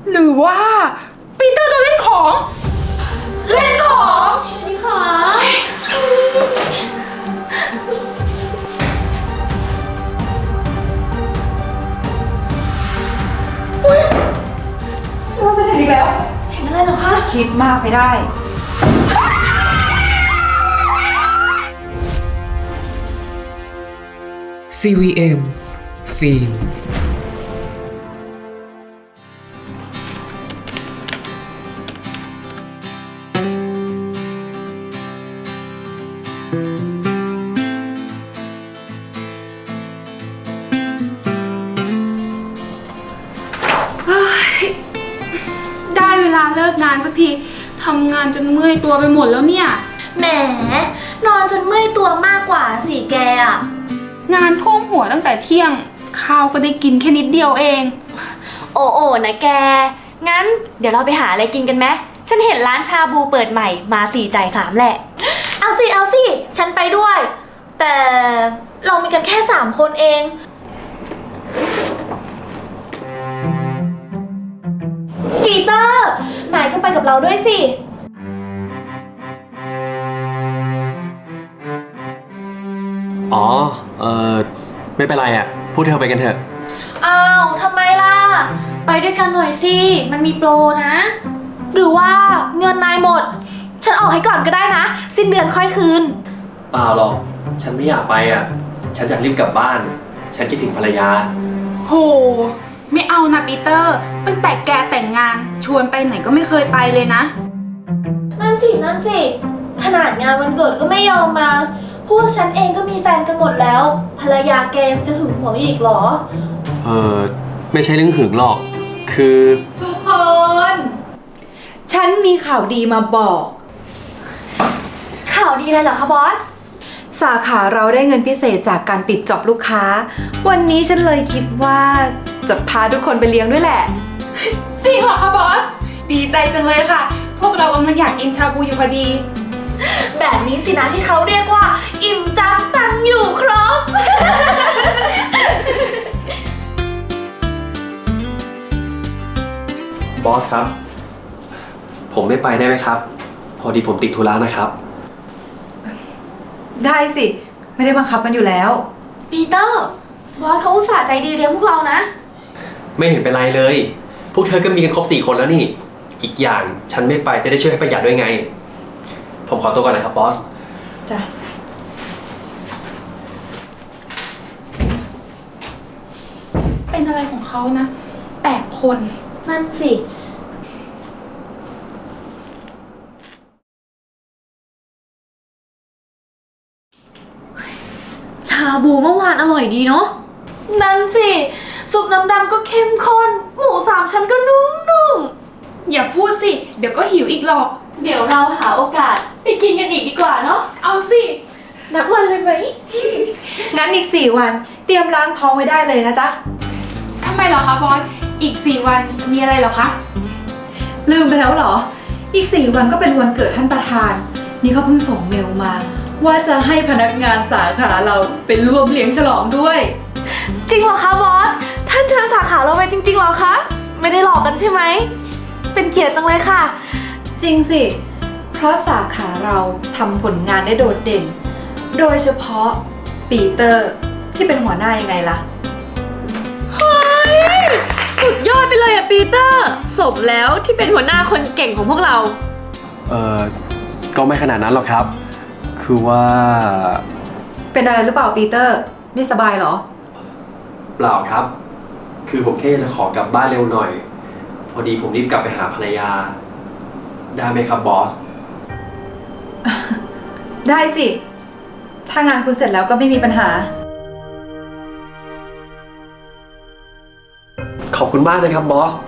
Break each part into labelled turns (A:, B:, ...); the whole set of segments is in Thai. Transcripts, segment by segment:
A: หรือว่าปีเตอร์จะเล่นของ เล่นของนี่ค่ะเราจะเห็นอีกแล้วเห็นอะไรเหรอคะ
B: คิดมากไปได้
C: CVM ฟิล์ม
A: ได้เวลาเลิกงานสักทีทำงานจนเมื่อยตัวไปหมดแล้วเนี่ย
D: แหมนอนจนเมื่อยตัวมากกว่าสิแกอะ
A: งานท่วมหัวตั้งแต่เที่ยงข้าวก็ได้กินแค่นิดเดียวเอง
D: โอ้โอ้นะแก งั้นเดี๋ยวเราไปหาอะไรกินกันไหมฉันเห็นร้านชาบูเปิดใหม่มา4 จ่าย 3แหละ เอาสิ เอาสิ ฉันไปด้วย แต่เรามีกันแค่3 คนเอง ปีเตอร์ นายก็ไปกับเราด้วยสิ
E: อ๋อ ไม่เป็นไรอ่ะ พูดเธอไปกันเถอะ
D: อ้าวทำไมล่ะ ไปด้วยกันหน่อยสิ มันมีโปรนะ หรือว่าเงินนายหมด ฉันออกให้ก่อนก็ได้นะ สิ้นเดือนค่อยคืน
E: เปล่าหรอก ฉันไม่อยากไปอ่ะ ฉันอยากรีบกลับบ้าน ฉันคิดถึงภรรยา
A: โห ไม่เอานะปีเตอร์ตั้งแต่แกแต่งงานชวนไปไหนก็ไม่เคยไปเลยนะ
D: นั่นสิ นั่นสิ ขนาดงานวันเกิดก็ไม่ยอมมา พวกฉันเองก็มีแฟนกันหมดแล้ว ภรรยาแกยังจะหึงหวงอีกเหรอ
E: ไม่ใช่เรื่องหึงหรอก คือ
B: ทุกคน ฉันมีข่าวดีมาบอก
D: ข่าวดีเลยเหรอคะบอส
B: สาขาเราได้เงินพิเศษจากการปิดจ็อบลูกค้า วันนี้ฉันเลยคิดว่าจะพาทุกคนไปเลี้ยงด้วยแหละ
A: จริงเหรอคะบอส ดีใจจังเลยค่ะ พวกเรากำลังอยากกินชาบูอยู่พอดี
D: แบบนี้สินะที่เขาเรียกว่า อิ่มจังตังอยู่ครบ
E: บอสครับ ผมไม่ไปได้ไหมครับ พอดีผมติดธุระนะครับ
B: ได้สิ ไม่ได้บังคับกันอยู่แล้ว
D: ปีเตอร์ บอสเขาอุตส่าห์ใจดีเลี้ยงพวกเรานะ
E: ไม่เห็นเป็นไรเลย พวกเธอก็มีกันครบ4 คนแล้วนี่ อีกอย่างฉันไม่ไปจะได้ช่วยให้ประหยัดด้วยไง ผมขอตัวก่อนนะครับบอส
B: จ้ะ
A: เป็นอะไรของเขานะ8 คน
D: นั่นสิ ชาบูเมื่อวานอร่อยดีเนาะ นั่นสิ ซุปน้ำดำก็เข้มข้น หมู3 ชั้นก็นุ่มๆ
A: อย่าพูดสิ เดี๋ยวก็หิวอีกหรอก
D: เดี๋ยวเราหาโอกาสไปกินกันอีกดีกว่าเนาะ
A: เอาสิ
D: นัดวันเลยไหม
B: งั้นอีก4 วันเตรียมล้างท้องไว้ได้เลยนะจ๊ะ
A: ทำไมเหรอคะบอส อีก4 วันมีอะไรเหรอคะ
B: ลืมไปแล้วเหรอ อีก4 วันก็เป็นวันเกิดท่านประธาน นี่เขาเพิ่งส่งเมลมา ว่าจะให้พนักงานสาขาเราเป็นร่วมเลี้ยงฉลองด้วย
D: จริงเหรอคะบอส ท่านเชิญสาขาเราไปจริงๆเหรอคะ ไม่ได้หลอกกันใช่ไหม เป็นเกียรติจังเลยค่ะ
B: จริงสิ เพราะสาขาเราทำผลงานได้โดดเด่น โดยเฉพาะปีเตอร์ที่เป็นหัวหน้ายังไงล่ะ
D: สุดยอดไปเลยอะปีเตอร์ สมแล้วที่เป็นหัวหน้าคนเก่งของพวกเรา
E: ก็ไม่ขนาดนั้นหรอกครับ คือว่า
B: เป็นอะไรหรือเปล่าปีเตอร์ ไม่สบายเหรอ
E: เปล่าครับ คือผมแค่จะขอกลับบ้านเร็วหน่อย พอดีผมรีบกลับไปหาภรรยา ได้ไหมครับบอส
B: ได้สิ ถ้างานคุณเสร็จแล้วก็ไม่มีปัญหา
E: ขอบคุณมากนะครับบอส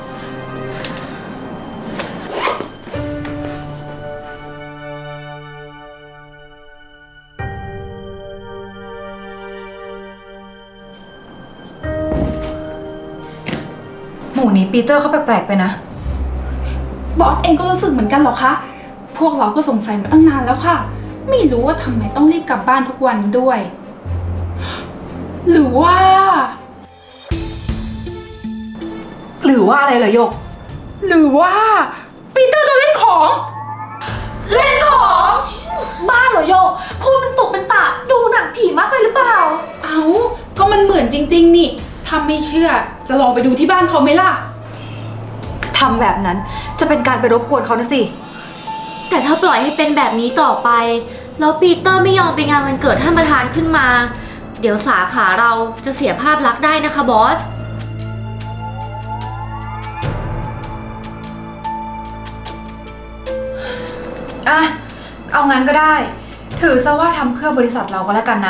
B: หมู่นี้ปีเตอร์เขาแปลกๆไปนะ
A: บอสเองก็รู้สึกเหมือนกันเหรอคะ พวกเราก็สงสัยมาตั้งนานแล้วค่ะ ไม่รู้ว่าทำไมต้องรีบกลับบ้านทุกวันด้วย หรือว่า
B: หรือว่าอะไรเหรอโยก
A: หรือว่าปีเตอร์โดนเล่นของ
D: เล่นของ บ้าเหรอโยกพูดเป็นตุเป็นตะดูหนังผีมากไปหรือเปล่า
A: เอาก็มันเหมือนจริงๆนี่ถ้าไม่เชื่อจะลองไปดูที่บ้านเขาไหมล่ะ
B: ทำแบบนั้นจะเป็นการไปรบกวนเขานะสิ
D: แต่ถ้าปล่อยให้เป็นแบบนี้ต่อไป แล้วปีเตอร์ไม่ยอมไปงานวันเกิดท่านประธานขึ้นมา เดี๋ยวสาขาเราจะเสียภาพลักษณ์ได้นะคะบอส
B: อ่ะ เอางั้นก็ได้ ถือซะว่าทำเพื่อบริษัทเราก็แล้วกันนะ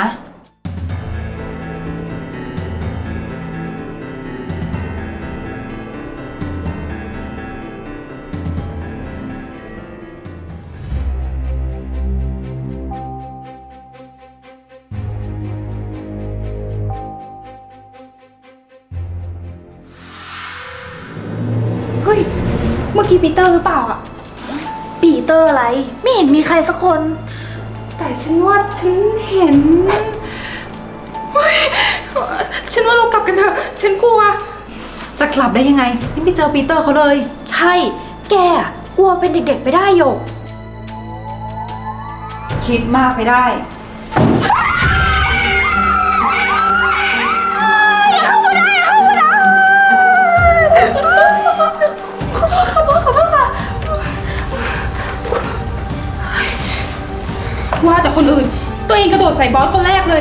A: เฮ้ย เมื่อกี้ปีเตอร์หรือเปล่าอะ
D: ปีเตอร์อะไร ไม่เห็นมีใครสักคน
A: แต่ฉันว่าฉันเห็นเฮ้ยฉันว่าเรากลับกันเถอะ ฉันกลัว
B: จะกลับได้ยังไงยังไม่เจอปีเตอร์เขาเลย
D: ใช่ แกอะกลัวเป็นเด็กๆไปได้โยก
B: คิดมากไปได้
A: ว่าแต่คนอื่น ตัวเองกระโดดใส่บอสคนแรกเลย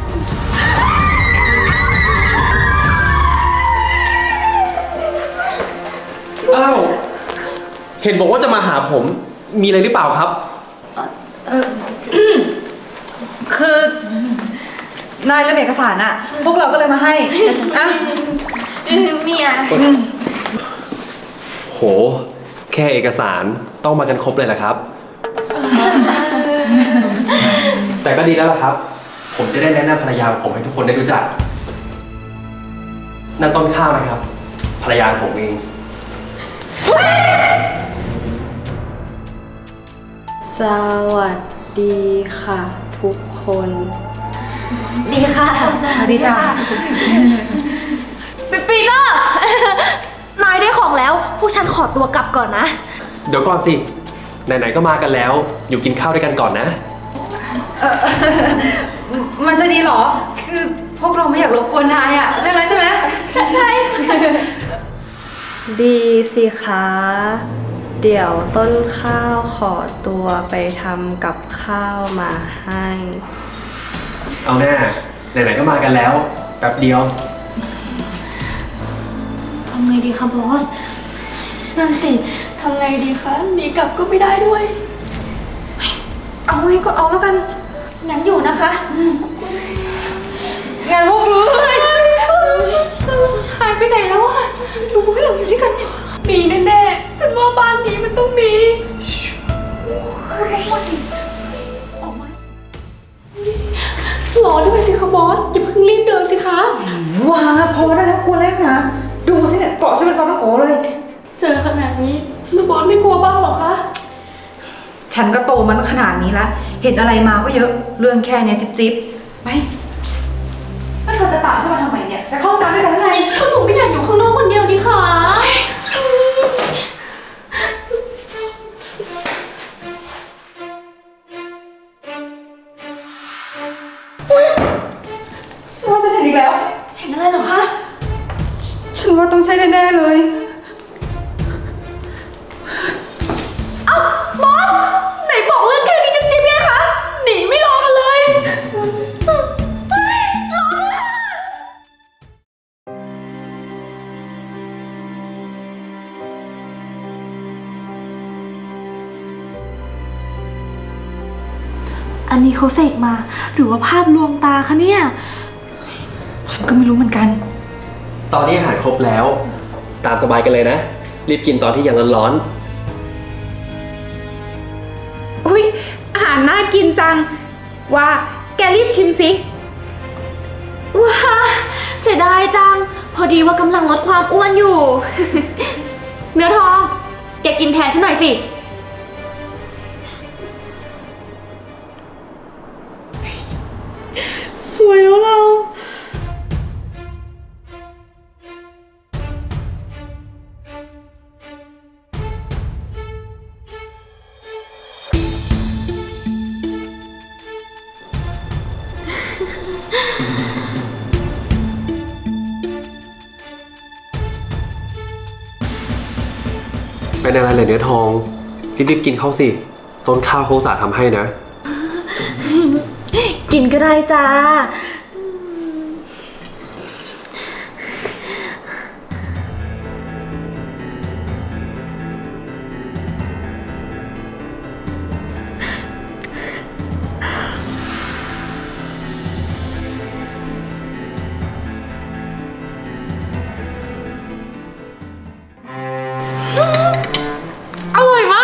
E: อ้าว เห็นบอกว่าจะมาหาผม มีอะไรหรือเปล่าครับ
B: คือ นายเรื่องเอกสารอะพวกเราก็เลยมาให้อ่ะ
D: เนี่ย
E: โห แค่เอกสารต้องมากันครบเลยแหละครับ แต่ก็ดีแล้วล่ะครับ ผมจะได้แนะนำภรรยาของผมให้ทุกคนได้รู้จัก นั่นต้นข้าวนะครับ ภรรยาของผมเอง
F: สวัสดีค่ะ ทุกคน
D: ดีค่ะ
B: สวัสดีจ้ะ
D: ปีเตอร์ นายได้ของแล้ว พวกฉันขอตัวกลับก่อนนะ
E: เดี๋ยวก่อนสิ ไหนๆก็มากันแล้ว อยู่กินข้าวด้วยกันก่อนนะ
B: มันจะดีเหรอ คือพวกเราไม่อยากรบกวนนายอะใช่ไหม
D: ใช่
F: ดีสิคะ เดี๋ยวต้นข้าวขอตัวไปทำกับข้าวมาให้
E: เอาแน่ไหนๆก็มากันแล้ว แป๊บเดียว
D: ทำไงดีคะบอส นั่นสิ ทำไงดีคะ หนีกลับก็ไม่ได้ด้วย
B: เอาไงก็เอาแล้วกัน
D: งั้นอยู่นะคะ
B: งานพวกรู้
A: หายไปไหนแล้วอะ
B: รู้ให้เราอยู่ด้วยกันเนี่ย
A: มีแน่ๆ ฉันว่าบ้านนี้มันต้องมี
D: รอด้วยสิคะบอส อย่าเพิ่งรีบเดินสิคะ
B: ว้าพอได้แล้วกลัวแล้วนะ ดูสิเนี่ยเกาะฉันเป็นปลาต้องโกเลย
D: เจอขนาดนี้แล้วบอสไม่กลัวบ้างหรอคะ
B: ฉันก็โตมันขนาดนี้ละเห็นอะไรมาก็เยอะ เรื่องแค่เนี้ยจิ๊บๆ ไปแล้วเธอจะตามฉันมาทำไมเนี่ย จะเข้าห้องน้ำด้วยกันหรือไง
D: ก็หนูไม่อยากอยู่ข้างนอกคนเดียวดีค่ะ
B: ฉันว่าฉันเห็นอีกแล้ว
D: เห็นอะไรเหรอคะ
B: ฉันว่าต้องใช่แน่ๆเลย
D: บอส ไหนบอกเรื่องแค่นี้จะจิ๊บไงคะ หนีไม่รอกันเลย อันนี้เขาเสกมา หรือว่าภาพลวงตาคะเนี่ย
B: ฉันก็ไม่รู้เหมือนกัน
E: ตอนนี้อาหารครบแล้ว ตามสบายกันเลยนะ รีบกินตอนที่ยังร้อน
A: อุ้ยอาหารน่ากินจัง ว่าแกรีบชิมสิ
D: ว้าเสียดายจัง พอดีว่ากำลังลดความอ้วนอยู่ เนื้อทอง แกกินแทนฉันหน่อยสิ
F: สวยแล้วเรา
E: เป็นอะไรเลยเนื้อทองรีบๆกินข้าวสิ ต้นข้าวเขาอุตส่าห์ทำให้นะ
D: กินก็ได้จ้า อร่อยมาก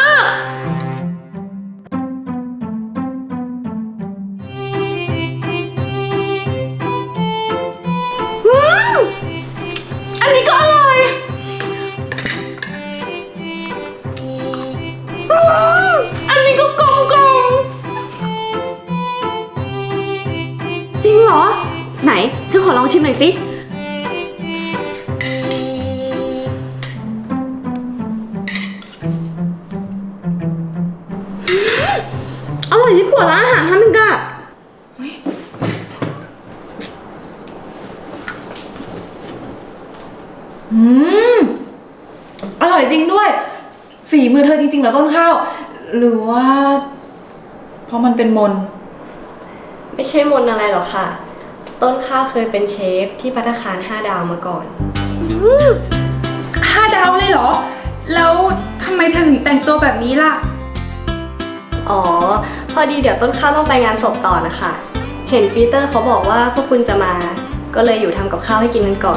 D: อันนี้ก็อร่อยอันนี้ก็กลมกลมจริงเหรอ ไหน ฉันขอลองชิมหน่อยสิ อร่อยยิ่งกว่าร้านอาหารทำอีกอะ
B: อร่อยจริงด้วย ฝีมือเธอจริงๆเหรอต้นข้าว หรือว่า เพราะมันเป็นมน
F: ไม่ใช่มนอะไรหรอกค่ะ ต้นข้าวเคยเป็นเชฟที่ภัตตาคาร5 ดาวมาก่อน
A: 5 ดาวเลยเหรอ แล้วทำไมเธอถึงแต่งตัวแบบนี้ล่ะ
F: อ๋อ พอดีเดี๋ยวต้นข้าวต้องไปงานศพต่อนะคะ เห็นปีเตอร์เขาบอกว่าพวกคุณจะมา ก็เลยอยู่ทำกับข้าวให้กินกันก่อน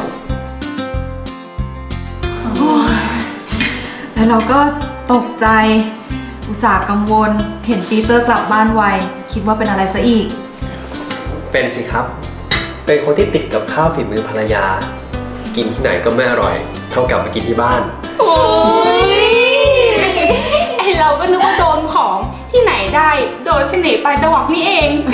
B: แล้วเราก็ตกใจ อุตส่าห์กังวล เห็นปีเตอร์กลับบ้านไว คิดว่าเป็นอะไรซะอีก
E: เป็นสิครับ เป็นคนที่ติดกับข้าวฝีมือภรรยา กินที่ไหนก็ไม่อร่อย เท่ากับไปกินที่บ้าน
A: โอ้ยไอเราก็นึกว่าโดนของที่ไหนได้ โดนเสน่ห์ปลายจวักนี่เอง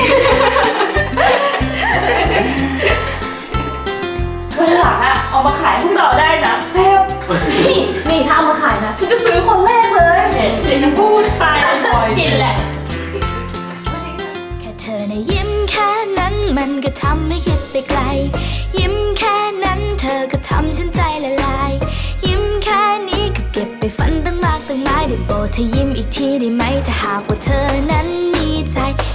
D: วันหลังอะเอามาขายพวกเราได้นะเซลนี่ถ้าเอามาขายนะ ฉันจะซื้อคนแรกเลยเดี๋ยวจะพูดไปกินแหละ
G: แค่เธอนะยิ้มแค่นั้นมันก็ทำให้คิดไปไกล ยิ้มแค่นั้นเธอก็ทำฉันใจละลาย ยิ้มแค่นี้ก็เก็บไปฝันตั้งมากตั้งหลายได้โปรดเธอยิ้มอีกทีได้ไหมถ้าหากว่าเธอนั้นมีใจ